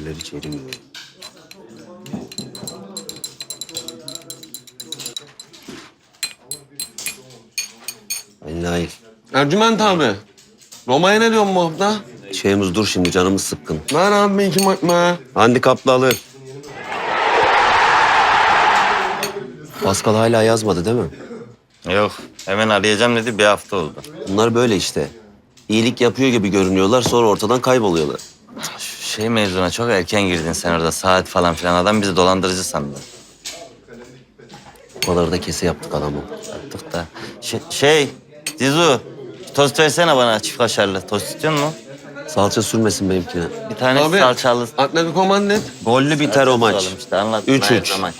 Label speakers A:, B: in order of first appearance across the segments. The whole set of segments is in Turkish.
A: birileri çevirmiyor. Nail.
B: Ercüment abi. Roma'ya ne diyorsun bu hafta?
A: Şeyimiz dur şimdi canımız sıkkın.
B: Ver abi bir iki makma.
A: Handikaplı alır. Pascal hala yazmadı değil mi?
C: Yok, hemen arayacağım dedi, bir hafta oldu.
A: Bunlar böyle işte. İyilik yapıyor gibi görünüyorlar sonra ortadan kayboluyorlar.
C: Şu şey mevzuna çok erken girdin sen orada, saat falan filan. Adam bizi dolandırıcı sandı.
A: O kadar da kese yaptık adamı.
C: Yaptık da. Dizu, tost versene bana, çift kaşarlı. Tost istiyor musun?
A: Salça sürmesin benimkine.
C: Bir tane
B: Abi
C: salçalı.
B: Atletico Madrid.
A: Gollü biter o maç.
C: İşte anlat.
A: 3-3.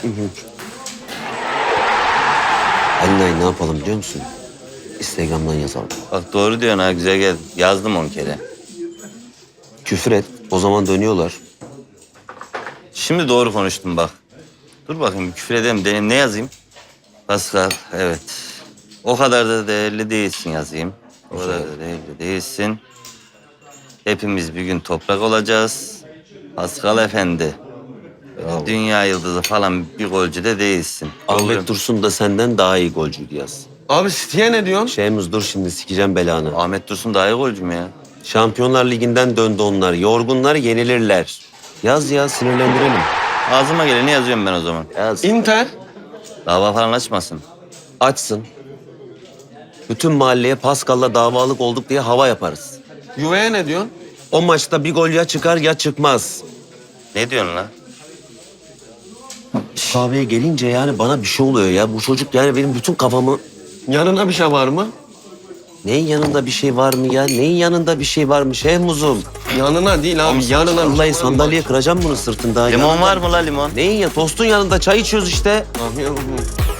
A: Nail ne yapalım biliyor musun? Instagram'dan yazalım.
C: Bak doğru diyorsun ha, güzel geldi. Yazdım 10 kere.
A: Küfür et. O zaman dönüyorlar.
C: Şimdi doğru konuştum bak. Dur bakayım, bir küfür edeyim. Ne yazayım? Pascal, evet. O kadar da değerli değilsin yazayım. O kadar da değerli değilsin. Hepimiz bir gün toprak olacağız. Pascal Efendi. Dünya yıldızı falan bir golcü de değilsin.
A: Ahmet Dursun da senden daha iyi golcüydü yaz.
B: Abi City'ye ne diyorsun?
A: Şeyimiz dur şimdi sikeceğim belanı.
C: Ahmet Dursun daha iyi golcü mü ya?
A: Şampiyonlar Ligi'nden döndü onlar. Yorgunlar yenilirler. Yaz ya sinirlendirelim.
C: Ağzıma geleni yazıyorum ben o zaman.
A: Yaz.
B: Inter.
C: Dava falan açmasın.
A: Açsın. Bütün mahalleye Pascal'la davalık olduk diye hava yaparız.
B: Juve'ye ne diyorsun?
A: O maçta bir gol ya çıkar ya çıkmaz.
C: Ne diyorsun lan?
A: Kahveye gelince yani bana bir şey oluyor ya. Bu çocuk yani benim bütün kafamı...
B: Yanına bir şey var mı?
A: Neyin yanında bir şey var mı ya? Neyin yanında bir şey var mı? Muzum.
B: Yanına değil abi. Yanına.
A: Vallahi sandalyeye kıracağım bunu sırtında.
C: Limon
A: Yanında-
C: var mı la limon?
A: Neyin ya? Tostun yanında çay içiyoruz işte.
B: Abi,